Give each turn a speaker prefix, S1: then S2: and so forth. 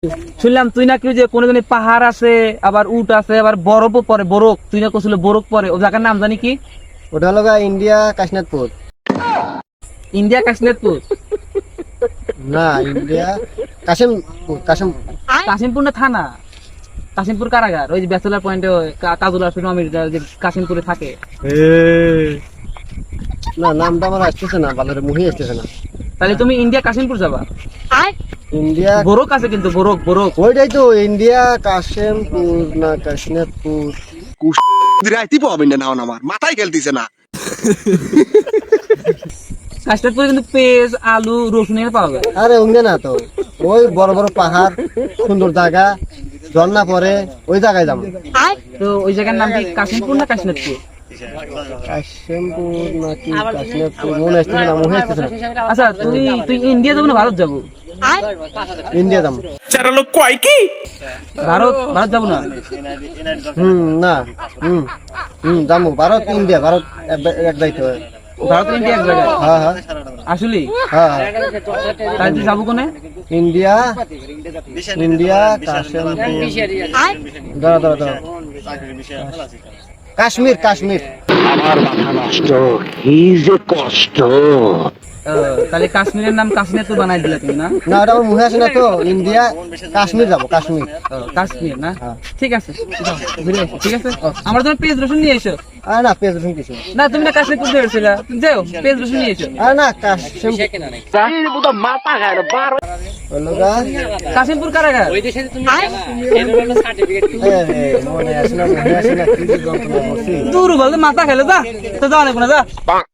S1: শুনলাম তুই নাকি ওই যে কোন পাহাড় আছে, আবার উট আছে, আবার বরফও পরে, বরফ তুই না কছিল বরফ পরে, ও জায়গার নাম জানি কি?
S2: ওটা হলো ইন্ডিয়া কাশনাথপুর।
S1: ইন্ডিয়া কাশ্মীরপুর?
S2: না, ইন্ডিয়া কাশিমপুর।
S1: কাশিমপুর না থানা? কাশিমপুর কারাগার, ওই যে ব্যাচেলার পয়েন্টে কাজল আসবে আমির যে কাশিমপুরে থাকে।
S2: না, নামটা আমার আসতেছে না, ভালো মুহি আসতেছে না।
S1: তাহলে তুমি ইন্ডিয়া কাশিমপুর যাবা।
S2: ইন্ডিয়া
S1: বরক আছে কিন্তু, বরক বরক।
S2: ওইটাই তো, ইন্ডিয়া কাশিমপুর না কাশনাথপুর।
S3: রাইতি পাবেন না আমার মাথায় খেলতেছে না।
S1: কাশনাথপুরে কিন্তু পেঁয়াজ, আলু, রসুন এগুলো পাওয়া যায়।
S2: আরে ওখানে না তো, ওই বড় বড় পাহাড়, সুন্দর জায়গা, ঝর্ণা পরে, ওই জায়গায় যাবো।
S1: তো ওই জায়গার নাম কি কাশিমপুর না কাশনাথপুর?
S2: কাশিমপুর নাকি কাশনাথপুর মনে আসতেছে না, মুহি আসতেছে না।
S1: আচ্ছা তুই ইন্ডিয়া যাবো না ভারত যাবো?
S2: ইন্ডিয়া যাবো।
S1: ভারত ভারত যাবো না?
S2: না, যাবো ভারত ইন্ডিয়া, ভারত এক যাইতে হয়।
S1: ভারত ইন্ডিয়া এক জায়গায়?
S2: হ্যাঁ হ্যাঁ
S1: আসলে
S2: হ্যাঁ।
S1: তাই তুই যাবো কোনে?
S2: ইন্ডিয়া কাশিমপুর, দাঁড়া কাশ্মীর।
S4: আমার মাথা নষ্ট, কি যে কষ্ট।
S1: তাহলে কাশ্মীরের নাম কাশ্মীর বানাই দিলে তুমি না?
S2: না, ওটা আমার মুখে আসে না তো। ইন্ডিয়া কাশ্মীর যাবো, কাশ্মীর।
S1: কাশ্মীর না?
S2: হ্যাঁ।
S1: ঠিক আছে, যাও, ঘুরে এসো, ঠিক আছে। আমার জন্য পেঁয়াজ রসুন নিয়ে এসো।
S2: আরে না, পেঁয়াজ রসুন কিছু
S1: না তুমি না কাশ্মীর ঘুরতে এসেছিলা, যাও পেঁয়াজ রসুন নিয়ে এসো।
S2: আরে না, কাশিমপুর
S1: কাশিমপুর কারাগার?
S2: মনে আসে না, কি যে যন্ত্রণা করছি।
S1: দূর বলতে মাথা খেলে, যা তো যাওয়া নেবো না, যা।